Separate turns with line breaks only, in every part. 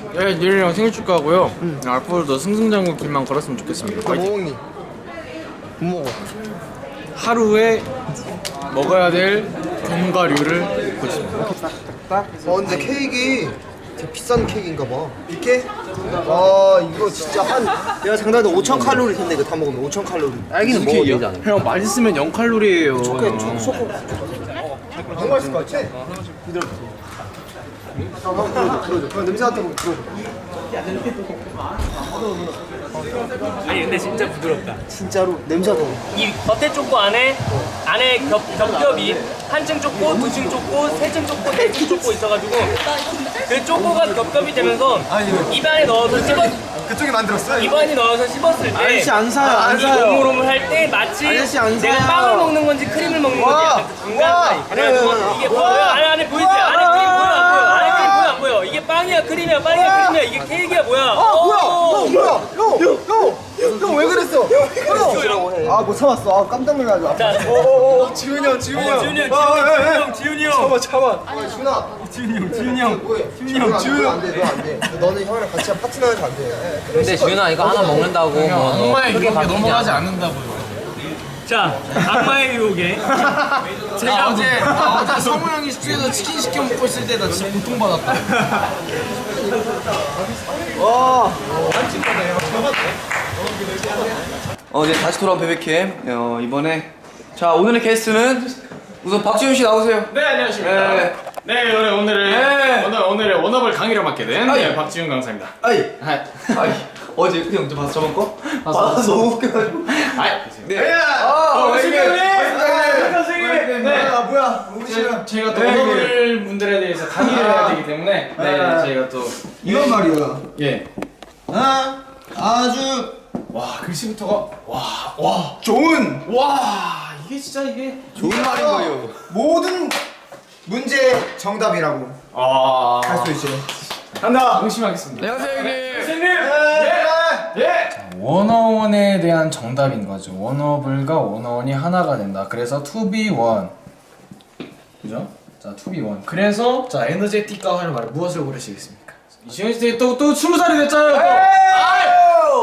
네, 내일이랑 생일 축하하고요. 앞으로도 승승장구 길만 걸었으면 좋겠습니다.
뭐 먹니? 못 먹어.
하루에 먹어야 될 견과류를 고집니다.
근데 케이크 되게 비싼 케이크인가 봐. 이게? 와 이거 진짜 내가 장난해 5,000 칼로리 텐데 이거 다 먹으면 5,000 칼로리. 딸기는 먹어도 되지 않아?
형 맛있으면 0칼로리예요.
초코. 너무 맛있을 것 같지? 이대로. 들어줘. 냄새 맡아보고 들어줘.
아니 근데 진짜 부드럽다.
진짜로 냄새 맡아보고.
이 겉에 초코 안에 겹겹이 한층 초코, 두층 초코, 세층 초코, 네층 초코 있어가지고 그 초코가 겹겹이 되면서 입안에 넣어서
그쪽이 만들었어요?
입안에 넣어서 씹었을 때
아저씨 안 사요, 안
이
사요.
오물오물 할 때 마치
아저씨 안
내가
사요.
빵을 먹는 건지 크림을 먹는 건지 약간 그 중간 사이. 그래가지고 이게 보여요? 안에 보이지? 안에 크림 보여 안 보여? 안에 크림 보여 안 보여? 이게 빵이야 크림이야 빵이야 크림이야 이게 케이크야 뭐야?
형 왜 그랬어? 형! 못 참았어. 깜짝 놀라가지고.
자,
지훈이 형.
지훈이 형.
지훈이 형. 안 돼. 너 안 돼. 너는 형이랑 같이 파트너 해서 안 돼.
근데 지훈아 이거 하나 먹는다고 뭐
악마의
크게
유혹에
바뀌지
넘어가지
않아.
않는다고요.
자, 악마의 유혹에
제가 어제 성우 형이 스튜디오에서 치킨 시켜 먹고 있을 때 나 진짜 고통받았다.
이제 다시 돌아온 베베캠. 이번에 자 오늘의 게스트는 우선 박지훈 씨 나오세요.
네, 안녕하십니까.
네.
네, 오늘의 원업을 강의를 맡게 된
아이.
네, 박지훈 강사입니다.
아이
아이.
어제 형 저 봤어 저번 거?
봤어.
너무 웃겨가지고.
아이.
네.
선생님. 네.
뭐야?
저희가 또 원어블 분들에 대해서 강의를 해야 되기 때문에 저희가 또
이건 말이야.
예.
아주
와, 글씨부터가
좋은
이게 진짜 이게
좋은 말인 거예요.
모든 문제 정답이라고 할 수 있지. 간다.
명심하겠습니다.
안녕하세요 형님.
원어원에 대한 정답인 거죠. 원어블과 원어원이 하나가 된다. 그래서 to be one. 그죠? 자, to be one. 그래서 자, 에너제틱과 하는 말을 무엇을 고르시겠습니까? 이시현 씨 또 20살이 됐잖아요. 또.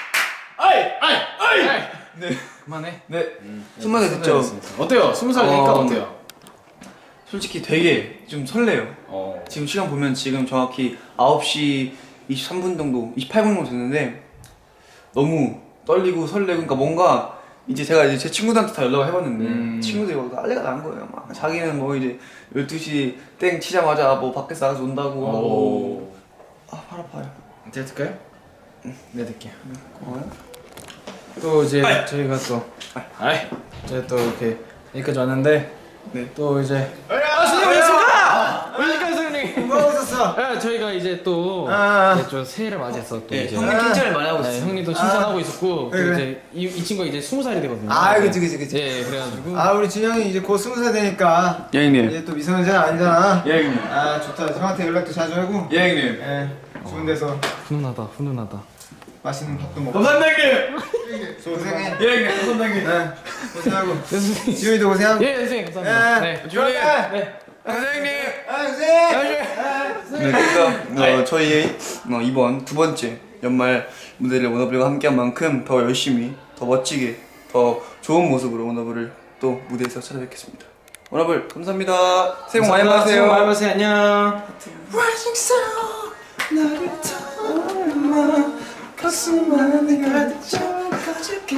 아이.
네.
그만해.
네. 20살 됐죠.
어때요? 20살 되니까 어때요?
솔직히 되게 좀 설레요. 지금 시간 보면 지금 정확히 9시 23분 정도, 28분 정도 됐는데 너무 떨리고 설레고 그러니까 뭔가 이제 제가 이제 제 친구들한테 다 연락을 해봤는데 친구들이 막 난리가 난 거예요. 막 자기는 뭐 이제 12시 땡 치자마자 뭐 밖에서 나가서 논다고 하고 팔 아파요.
제가 들까요? 네, 들게요.
고마워요.
또 이제 저희가 또 저희 또 이렇게 여기까지 왔는데 또 이제 선생님 오셨습니다! 오셨습니까 선생님?
뭐 하고 있었어?
네, 저희가 이제 또 이제 좀 새해를 맞이해서 또 이제
형님 칭찬을 많이 하고
네,
있어요.
형님도 칭찬하고 있었고 또
그래.
이제 이 친구가 이제 20살이 되거든요.
그치.
예, 그래가지고
우리 준영이 이제 곧 20살 되니까
예 형님.
이제 또 미성년자는 아니잖아.
예 형님.
좋다. 형한테 연락도 자주 하고.
예 형님.
좋은 데서
훈훈하다.
맛있는 밥도 먹고.
감사합니다
고생해.
예 형님. 감사합니다.
고생하고. 지훈이도 고생하고.
예, 선생님 감사합니다. 네.
주원이.
네.
감사합니다.
고생.
네, 그러니까 저희 이번 두 번째 연말 무대를 워너블과 함께한 만큼 더 열심히, 더 멋지게, 더 좋은 모습으로 워너블을 또 무대에서 찾아뵙겠습니다. 워너블 감사합니다. 새해 복 많이 받으세요.
새해 복 많이 받으세요. 안녕.
Rising sun 나를 담아 가슴 안에 가득 채워가지게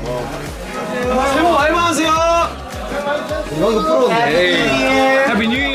새해 복 많이 받으세요.
이거 프로인데.
해피 뉴 이어.